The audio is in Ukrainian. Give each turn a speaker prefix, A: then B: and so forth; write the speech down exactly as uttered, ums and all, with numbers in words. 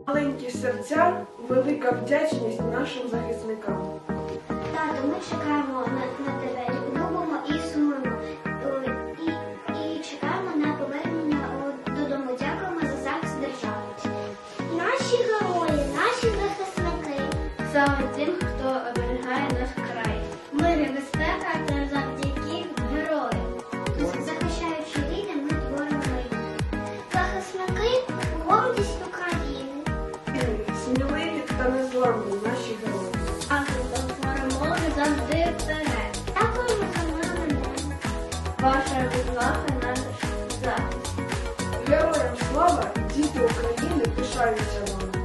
A: Маленькі серця, велика вдячність нашим захисникам.
B: Тато, ми чекаємо на, на тебе, любимо і сумуємо. Е, І, і чекаємо на повернення о, додому. Дякуємо за захист держави. Наші герої, наші захисники. Саме тим, хто оберігає наш край. Мир і безпека – це завдяки героям. Захищаючи рідне, ми творимо рідне. Захисники – гордість України.
A: Сміливі та незламні наші герої.
B: А до перемоги завжди вперед. Дякуємо за мене. Ваша відвага – наш захист.
A: Героям слава, діти України пишаються вами.